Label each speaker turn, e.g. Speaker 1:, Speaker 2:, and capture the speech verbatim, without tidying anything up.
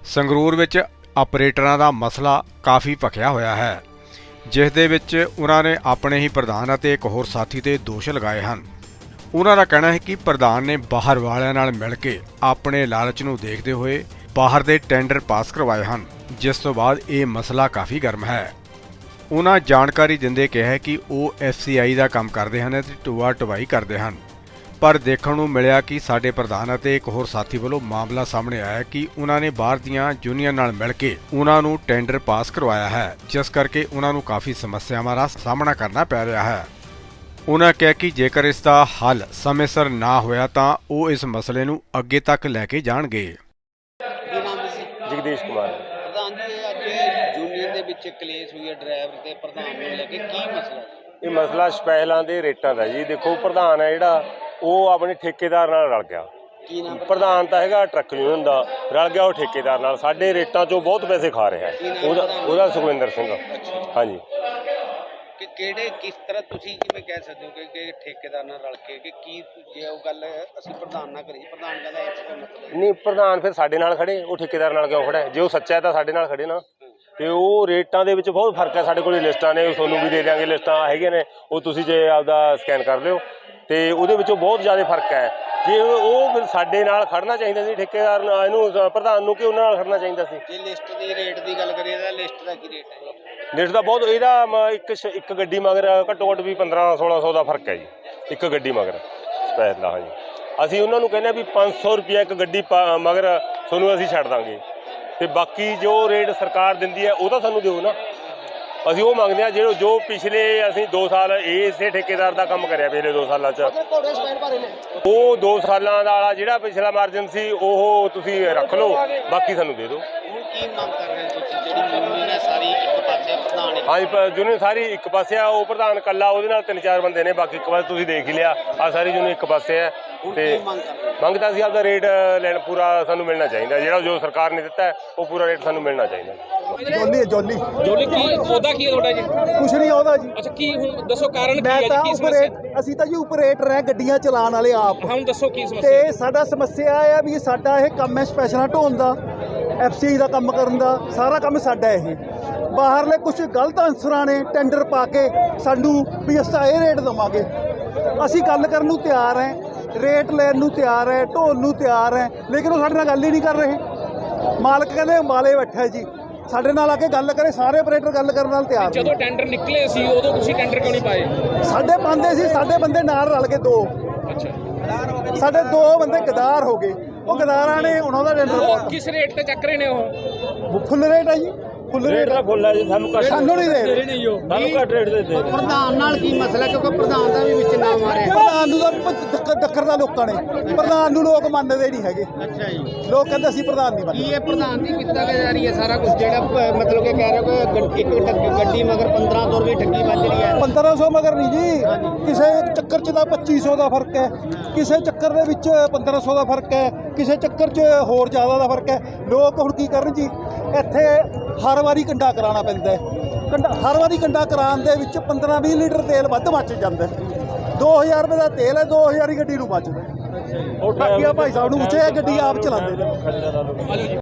Speaker 1: ਸੰਗਰੂਰ ਵਿੱਚ ਆਪਰੇਟਰਾਂ ਦਾ ਮਸਲਾ ਕਾਫੀ ਭਖਿਆ ਹੋਇਆ ਹੈ, ਜਿਸ ਦੇ ਵਿੱਚ ਉਹਨਾਂ ਨੇ ਆਪਣੇ ਹੀ ਪ੍ਰਧਾਨ ਅਤੇ ਇੱਕ ਹੋਰ ਸਾਥੀ ਤੇ ਦੋਸ਼ ਲਗਾਏ ਹਨ। ਉਹਨਾਂ ਦਾ ਕਹਿਣਾ ਹੈ ਕਿ ਪ੍ਰਧਾਨ ਨੇ ਬਾਹਰ ਵਾਲਿਆਂ ਨਾਲ ਮਿਲ ਕੇ ਆਪਣੇ ਲਾਲਚ ਨੂੰ ਦੇਖਦੇ ਹੋਏ ਬਾਹਰ ਦੇ ਟੈਂਡਰ ਪਾਸ ਕਰਵਾਏ ਹਨ, ਜਿਸ ਤੋਂ ਬਾਅਦ ਇਹ ਮਸਲਾ ਕਾਫੀ ਗਰਮ ਹੈ। ਉਹਨਾਂ ਜਾਣਕਾਰੀ ਦਿੰਦੇ ਕਿਹਾ ਕਿ ਉਹ ਐਫ ਸੀ ਆਈ ਦਾ ਕੰਮ ਕਰਦੇ ਹਨ ਅਤੇ ਢੋਆ ਢਵਾਈ ਕਰਦੇ ਹਨ, ਪਰ ਦੇਖਣ ਨੂੰ ਮਿਲਿਆ ਕਿ ਸਾਡੇ ਪ੍ਰਧਾਨ ਅਤੇ ਇੱਕ ਹੋਰ ਸਾਥੀ ਵੱਲੋਂ ਮਾਮਲਾ ਸਾਹਮਣੇ ਆਇਆ ਕਿ ਉਹਨਾਂ ਨੇ ਬਾਹਰ ਦੀਆਂ ਯੂਨੀਅਨ ਨਾਲ ਮਿਲ ਕੇ ਉਹਨਾਂ ਨੂੰ ਟੈਂਡਰ ਪਾਸ ਕਰਵਾਇਆ ਹੈ, ਜਿਸ ਕਰਕੇ ਉਹਨਾਂ ਨੂੰ ਕਾਫੀ ਸਮੱਸਿਆਵਾਂ ਦਾ ਸਾਹਮਣਾ ਕਰਨਾ ਪੈ ਰਿਹਾ ਹੈ। ਉਹਨਾਂ ਕਿਹਾ ਕਿ ਜੇਕਰ ਇਸ ਦਾ ਹੱਲ ਸਮੇਂ ਸਿਰ ਨਾ ਹੋਇਆ ਤਾਂ ਉਹ ਇਸ ਮਸਲੇ ਨੂੰ ਅੱਗੇ ਤੱਕ ਲੈ ਕੇ ਜਾਣਗੇ।
Speaker 2: ਜਗਦੀਸ਼ ਕੁਮਾਰ
Speaker 3: ਪ੍ਰਧਾਨ ਜੀ, ਅੱਜ ਯੂਨੀਅਨ ਦੇ ਵਿੱਚ ਕਲੇਸ਼ ਹੋਈ ਹੈ ਡਰਾਈਵਰ ਤੇ ਪ੍ਰਧਾਨ ਨੂੰ ਲੈ ਕੇ, ਕੀ ਮਸਲਾ ਜੀ?
Speaker 2: ਇਹ ਮਸਲਾ ਸਪੈਸ਼ਲਾਂ ਦੇ ਰੇਟਾਂ ਦਾ ਜੀ। ਦੇਖੋ, ਪ੍ਰਧਾਨ ਹੈ ਜਿਹੜਾ ਉਹ ਆਪਣੇ ਠੇਕੇਦਾਰ ਨਾਲ ਰਲ ਗਿਆ।
Speaker 3: ਕੀ ਨਾਮ?
Speaker 2: ਪ੍ਰਧਾਨ ਤਾਂ ਹੈਗਾ ਟਰੱਕ ਯੂਨੀਅਨ ਦਾ, ਰਲ ਗਿਆ ਉਹ ਠੇਕੇਦਾਰ ਨਾਲ। ਸਾਡੇ ਰੇਟਾਂ 'ਚੋਂ ਬਹੁਤ ਪੈਸੇ ਖਾ ਰਿਹਾ ਹੈ। ਉਹਦਾ ਉਹਦਾ ਸੁਖਵਿੰਦਰ ਸਿੰਘ। ਹਾਂਜੀ।
Speaker 3: ਕਿ ਕਿਹੜੇ ਕਿਸ ਤਰ੍ਹਾਂ ਤੁਸੀਂ ਕਿਵੇਂ ਕਹਿ ਸਕਦੇ ਹੋ ਕਿ ਕਿ ਠੇਕੇਦਾਰ ਨਾਲ ਰਲ ਕੇ ਕਿ ਕੀ ਜੇ ਉਹ ਗੱਲ ਅਸੀਂ ਪ੍ਰਧਾਨ ਨਾਲ ਕਰੀ, ਪ੍ਰਧਾਨ ਕਹਿੰਦਾ ਇਸ ਦਾ ਮਤਲਬ
Speaker 2: ਨਹੀਂ, ਪ੍ਰਧਾਨ ਫਿਰ ਸਾਡੇ ਨਾਲ ਖੜੇ, ਉਹ ਠੇਕੇਦਾਰ ਨਾਲ ਕਿਉਂ ਖੜਾ? ਜੇ ਉਹ ਸੱਚਾ ਹੈ ਤਾਂ ਸਾਡੇ ਨਾਲ ਖੜੇ ਨਾ। ਤੇ ਉਹ ਰੇਟਾਂ ਦੇ ਵਿੱਚ ਬਹੁਤ ਫਰਕ ਹੈ। ਸਾਡੇ ਕੋਲ ਲਿਸਟਾਂ ਨੇ, ਉਹ ਤੁਹਾਨੂੰ ਵੀ ਦੇ ਦਿਆਂਗੇ, ਲਿਸਟਾਂ ਹੈਗੀਆਂ ਨੇ, ਉਹ ਤੁਸੀਂ ਜੇ ਆਪਦਾ ਸਕੈਨ ਕਰ ਲਿਓ। ਤੇ ਉਹਦੇ ਵਿੱਚੋਂ ਬਹੁਤ ਜ਼ਿਆਦਾ ਫਰਕ ਹੈ। ਜੇ ਉਹ ਫਿਰ ਸਾਡੇ ਨਾਲ ਖੜਨਾ ਚਾਹੀਦਾ ਸੀ ਠੇਕੇਦਾਰ ਨਾਲ, ਇਹਨੂੰ ਪ੍ਰਧਾਨ ਨੂੰ, ਕਿ ਉਹਨਾਂ ਨਾਲ ਖੜਨਾ ਚਾਹੀਦਾ ਸੀ।
Speaker 3: ਜੇ ਲਿਸਟ ਦੀ ਰੇਟ ਦੀ ਗੱਲ ਕਰੀਏ ਤਾਂ ਲਿਸਟ ਦਾ ਕੀ ਰੇਟ ਹੈ?
Speaker 2: ਲਿਸਟ ਦਾ ਬਹੁਤ, ਇਹਦਾ ਮ- ਇੱਕ ਇੱਕ ਗੱਡੀ ਮਗਰ ਘੱਟੋ ਘੱਟ ਵੀ ਪੰਦਰਾਂ ਸੋਲਾਂ ਸੌ ਦਾ ਫਰਕ ਹੈ ਜੀ, ਇੱਕ ਗੱਡੀ ਮਗਰ ਸਪੈਸ਼ਲ ਦਾ। ਹਾਂਜੀ, ਅਸੀਂ ਉਹਨਾਂ ਨੂੰ ਕਹਿੰਦੇ ਹਾਂ ਵੀ ਪੰਜ ਸੌ ਰੁਪਇਆ ਇੱਕ ਗੱਡੀ ਪਾ- ਮਗਰ ਤੁਹਾਨੂੰ ਅਸੀਂ ਛੱਡ ਦਾਂਗੇ, ਤੇ ਬਾਕੀ ਜੋ ਰੇਟ ਸਰਕਾਰ ਦਿੰਦੀ ਹੈ ਉਹ ਤਾਂ ਸਾਨੂੰ ਦਿਓ ਨਾ। ਅਸੀਂ ਉਹ ਮੰਗਦੇ ਹਾਂ ਜਿਹੜਾ ਜੋ ਪਿਛਲੇ ਅਸੀਂ ਦੋ ਸਾਲ ਇਸੇ ਠੇਕੇਦਾਰ ਦਾ ਕੰਮ ਕਰਿਆ, ਪਿਛਲੇ ਦੋ ਸਾਲਾਂ 'ਚ ਉਹ ਦੋ ਸਾਲਾਂ ਦਾ ਵਾਲਾ ਜਿਹੜਾ ਪਿਛਲਾ ਮਾਰਜਨ ਸੀ ਉਹ ਤੁਸੀਂ ਰੱਖ ਲਓ, ਬਾਕੀ ਸਾਨੂੰ ਦੇ ਦਿਓ।
Speaker 3: ਹੁਣ ਕੀ ਮੰਗ ਕਰ ਰਹੇ ਹੋ ਤੁਸੀਂ? ਜਿਹੜੀ ਯੂਨੀਅਨ ਹੈ ਸਾਰੀ ਇੱਕ ਪਾਸੇ, ਪ੍ਰਧਾਨ ਇੱਕ
Speaker 2: ਹਾਂਜੀ, ਯੂਨੀਅਨ ਸਾਰੀ ਇੱਕ ਪਾਸੇ ਆ। ਉਹ ਪ੍ਰਧਾਨ ਇਕੱਲਾ, ਉਹਦੇ ਨਾਲ ਤਿੰਨ ਚਾਰ ਬੰਦੇ ਨੇ, ਬਾਕੀ ਇੱਕ ਪਾਸੇ ਤੁਸੀਂ ਦੇਖ ਹੀ ਲਿਆ। ਆ ਸਾਰੀ ਯੂਨੀਅਨ ਇੱਕ ਪਾਸੇ ਹੈ। ਤੇ
Speaker 3: ਮੰਗ ਕਰ ਰਹੇ ਹੋ?
Speaker 2: ਮੰਗ ਤਾਂ ਅਸੀਂ ਆਪਦਾ ਰੇਟ ਲੈਣ ਪੂਰਾ ਸਾਨੂੰ ਮਿਲਣਾ ਚਾਹੀਦਾ, ਜਿਹੜਾ ਜੋ ਸਰਕਾਰ ਨੇ ਦਿੱਤਾ ਉਹ ਪੂਰਾ ਰੇਟ ਸਾਨੂੰ ਮਿਲਣਾ ਚਾਹੀਦਾ।
Speaker 4: ਜੋਲੀ ਹੈ ਜੋਲੀ
Speaker 5: ਜੋਲੀ ਕੀ ਉਹਦਾ ਕੀ ਹੈ ਤੁਹਾਡਾ ਜੀ?
Speaker 4: ਕੁਛ ਨਹੀਂ ਆਉਂਦਾ ਜੀ।
Speaker 5: ਅੱਛਾ, ਕੀ ਹੁਣ ਦੱਸੋ ਕਾਰਨ ਕੀ
Speaker 4: ਮੈਂ
Speaker 5: ਹੈ ਜੀ?
Speaker 4: ਤਾਂ
Speaker 5: ਕੀ ਸਮੱਸਿਆ?
Speaker 4: ਉਪਰੇਟ ਅਸੀਂ ਤਾਂ ਜੀ ਉਪਰੇਟਰ ਹੈ, ਗੱਡੀਆਂ ਚਲਾਉਣ ਵਾਲੇ ਆਪ।
Speaker 5: ਹੁਣ ਦੱਸੋ ਕੀ ਸਮੱਸਿਆ?
Speaker 4: ਤੇ ਸਾਡਾ ਸਮੱਸਿਆ ਇਹ ਆ ਵੀ ਸਾਡਾ ਇਹ ਕੰਮ ਹੈ ਸਪੈਸ਼ਲਾਂ ਢੋਣ ਦਾ, ਐਫ ਸੀ ਆਈ ਦਾ ਕੰਮ ਕਰਨ ਦਾ, ਸਾਰਾ ਕੰਮ ਸਾਡਾ ਇਹ। ਬਾਹਰਲੇ ਕੁਝ ਗਲਤ ਅਨਸਰਾਂ ਨੇ ਟੈਂਡਰ ਪਾ ਕੇ ਸਾਨੂੰ ਵੀ ਅਸੀਂ ਇਹ ਰੇਟ ਦੇਵਾਂਗੇ। ਅਸੀਂ ਗੱਲ ਕਰਨ ਨੂੰ ਤਿਆਰ ਹੈ, ਰੇਟ ਲੈਣ ਨੂੰ ਤਿਆਰ ਹੈ, ਢੋਣ ਨੂੰ ਤਿਆਰ ਹੈ, ਲੇਕਿਨ ਉਹ ਸਾਡੇ ਨਾਲ ਗੱਲ ਹੀ ਨਹੀਂ ਕਰ ਰਹੇ। ਮਾਲਕ ਕਹਿੰਦੇ ਮਾਲੇ ਬੈਠਾ ਜੀ, ਸਾਡੇ ਨਾਲ ਆ ਕੇ ਗੱਲ ਕਰੇ। ਸਾਰੇ ਆਪਰੇਟਰ ਗੱਲ ਕਰਨ ਨਾਲ ਤਿਆਰ ਨੇ।
Speaker 5: ਜਦੋਂ ਟੈਂਡਰ ਨਿਕਲੇ ਸੀ ਉਦੋਂ ਤੁਸੀਂ ਟੈਂਡਰ ਕਿਉਂ ਨਹੀਂ ਪਾਏ?
Speaker 4: ਸਾਡੇ ਪਾਉਂਦੇ ਸੀ, ਸਾਡੇ ਬੰਦੇ ਨਾਲ ਰਲ ਕੇ ਦੋ,
Speaker 5: ਅੱਛਾ,
Speaker 4: ਸਾਡੇ ਦੋ ਬੰਦੇ ਗਦਾਰ ਹੋ ਗਏ। ਉਹ ਗਦਾਰਾਂ ਨੇ ਉਹਨਾਂ ਦਾ ਟੈਂਡਰ
Speaker 5: ਉਹ
Speaker 4: ਪਾਉਣਾ।
Speaker 5: ਕਿਸ ਰੇਟ ਤੇ ਚੱਕ ਰਹੇ ਨੇ? ਉਹ
Speaker 4: ਫੁੱਲ ਰੇਟ ਹੈ ਜੀ, ਫੁੱਲ ਰੇਟ
Speaker 2: ਦਾ ਫੁੱਲ ਹੈ ਜੀ, ਸਾਨੂੰ ਘੱਟ
Speaker 4: ਸਾਨੂੰ ਨਹੀਂ ਦੇ ਰਹੇ।
Speaker 2: ਸਾਨੂੰ ਘੱਟ ਰੇਟ ਦੇ ਦੇ।
Speaker 3: ਪ੍ਰਧਾਨ ਨਾਲ ਕੀ ਮਸਲਾ? ਕਿਉਂਕਿ ਪ੍ਰਧਾਨ ਦਾ ਵੀ ਵਿੱਚ ਨਾਮ ਆ ਰਿਹਾ।
Speaker 4: ਪ੍ਰਧਾਨ ਨੂੰ ਤਾਂ ਦੱਕ- ਦੱਕਰ ਦਾ ਲੋਕਾਂ ਨੇ, ਪ੍ਰਧਾਨ ਨੂੰ ਲੋਕ ਮੰਨਦੇ ਨਹੀਂ ਹੈਗੇ।
Speaker 3: ਅੱਛਾ ਜੀ।
Speaker 4: ਲੋਕ ਕਹਿੰਦੇ ਅਸੀਂ ਪ੍ਰਧਾਨ ਨਹੀਂ
Speaker 3: ਕੀ
Speaker 4: ਮੰਨਦੇ।
Speaker 3: ਇਹ ਪ੍ਰਧਾਨ ਦੀ ਕੀਤਾ ਜਾ ਰਹੀ ਹੈ ਸਾਰਾ ਕੁਝ, ਜਿਹੜਾ ਪ- ਮਤਲਬ ਕਿ ਕਹਿ ਰਹੇ ਹੋ ਕਿ ਗੱਡ- ਇੱਕ ਟੱਕ- ਗੱਡੀ ਮਗਰ ਪੰਦਰਾਂ ਸੌ ਰੁਪਏ ਠੱਗੀ ਵੱਜ ਰਹੀ ਹੈ?
Speaker 4: ਪੰਦਰਾਂ ਸੌ ਮਗਰ ਨਹੀਂ ਜੀ, ਕਿਸੇ ਚੱਕਰ 'ਚ ਤਾਂ ਪੱਚੀ ਸੌ ਦਾ ਫਰਕ ਹੈ, ਕਿਸੇ ਚੱਕਰ ਦੇ ਵਿੱਚ ਪੰਦਰਾਂ ਸੌ ਦਾ ਫਰਕ ਹੈ, ਕਿਸੇ ਚੱਕਰ 'ਚ ਹੋਰ ਜ਼ਿਆਦਾ ਦਾ ਫਰਕ ਹੈ। ਲੋਕ ਹੁਣ ਕੀ ਕਰਨ ਜੀ, ਇੱਥੇ ਹਰ ਵਾਰੀ ਕੰਡਾ ਕਰਾਉਣਾ ਪੈਂਦਾ ਹੈ। ਕੰਡਾ ਹਰ ਵਾਰੀ ਕੰਡਾ ਕਰਾਉਣ ਦੇ ਵਿੱਚ ਪੰਦਰਾਂ ਵੀਹ ਲੀਟਰ ਤੇਲ ਵੱਧ ਮੱਚ ਜਾਂਦਾ ਹੈ। ਦੋ ਹਜ਼ਾਰ ਰੁਪਏ ਦਾ ਤੇਲ ਹੈ, ਦੋ ਹਜ਼ਾਰ ਹੀ ਗੱਡੀ ਨੂੰ ਮੱਚਦਾ। ਬਾਕੀ ਆ ਭਾਈ ਸਾਹਿਬ ਨੂੰ ਪੁੱਛਿਆ, ਗੱਡੀ ਆਪ ਚਲਾਉਂਦੇ ਨੇ।